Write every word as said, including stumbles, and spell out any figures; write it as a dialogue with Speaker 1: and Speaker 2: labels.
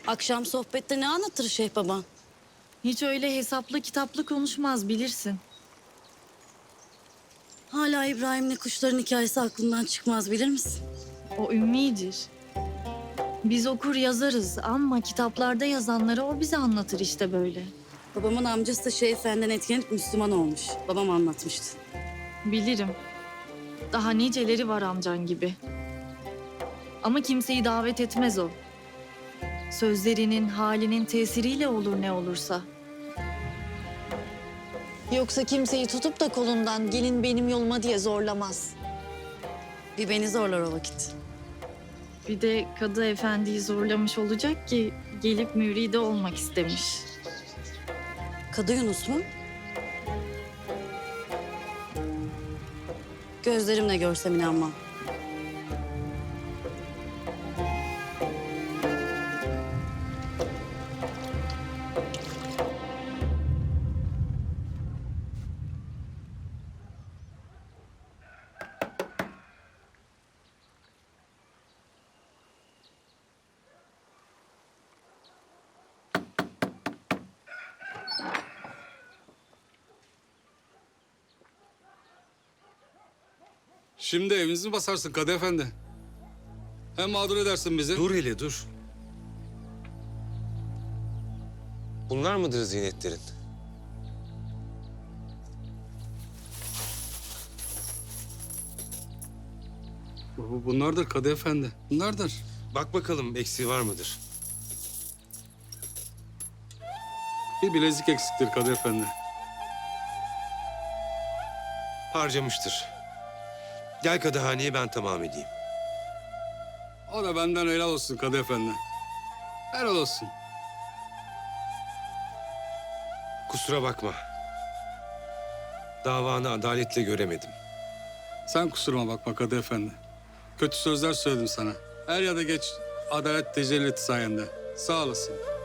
Speaker 1: Akşam sohbette ne anlatır Şeyh baban?
Speaker 2: Hiç öyle hesaplı kitaplı konuşmaz, bilirsin.
Speaker 1: Hala İbrahim'le kuşların hikayesi aklından çıkmaz, bilir misin?
Speaker 2: O ümmidir. Biz okur yazarız ama kitaplarda yazanları o bize anlatır işte böyle.
Speaker 1: Babamın amcası da Şeyh Efendi'den etkilenip Müslüman olmuş. Babam anlatmıştı.
Speaker 2: Bilirim. Daha niceleri var amcan gibi. Ama kimseyi davet etmez o. Sözlerinin, halinin tesiriyle olur ne olursa. Yoksa kimseyi tutup da kolundan gelin benim yoluma diye zorlamaz.
Speaker 1: Bir beni zorlar o vakit.
Speaker 2: Bir de Kadı Efendi'yi zorlamış olacak ki gelip müride olmak istemiş.
Speaker 1: Kadı Yunus mu? Gözlerimle görsem inanmam.
Speaker 3: Şimdi evinizi mi basarsın Kadı Efendi? Hem mağdur edersin bizi.
Speaker 4: Dur hele dur. Bunlar mıdır ziynetlerin?
Speaker 3: Bu- Bunlardır Kadı Efendi. Bunlardır.
Speaker 4: Bak bakalım eksiği var mıdır?
Speaker 3: Bir bilezik eksiktir Kadı Efendi.
Speaker 4: Harcamıştır. Gel kadıhaneye ben tamam edeyim.
Speaker 3: O da benden helal olsun Kadı Efendi. Helal olsun.
Speaker 4: Kusura bakma. Davanı adaletle göremedim.
Speaker 3: Sen kusuruma bakma Kadı Efendi. Kötü sözler söyledim sana. Er ya da geç adalet tecelli etti sayende. Sağ olasın.